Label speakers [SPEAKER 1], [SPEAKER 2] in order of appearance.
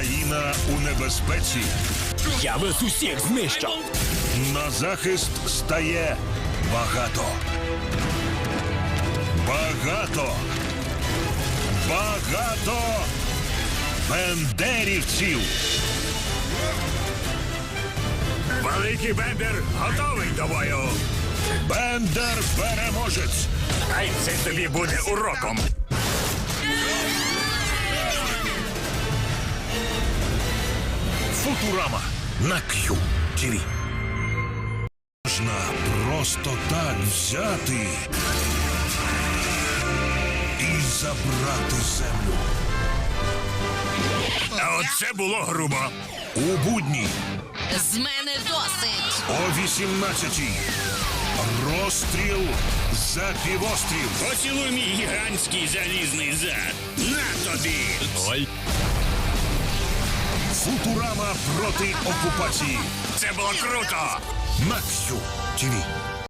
[SPEAKER 1] Країна у небезпеці.
[SPEAKER 2] Я вас усіх знищу.
[SPEAKER 1] На захист стає багато. Багато. Багато бендерівців.
[SPEAKER 3] Великий Бендер готовий до бою.
[SPEAKER 1] Бендер переможець.
[SPEAKER 3] Хай це тобі буде уроком.
[SPEAKER 1] Футурама на Q-TV. Можна просто так взяти і забрати землю.
[SPEAKER 3] А оце було грубо.
[SPEAKER 1] У будні
[SPEAKER 4] З мене досить.
[SPEAKER 1] о 18-й. Розстріл за півострів.
[SPEAKER 3] Поцілуй мій гігантський залізний зад. На тобі!
[SPEAKER 2] Ой.
[SPEAKER 1] Футурама проти окупації.
[SPEAKER 3] Це було круто!
[SPEAKER 1] На Q-TV.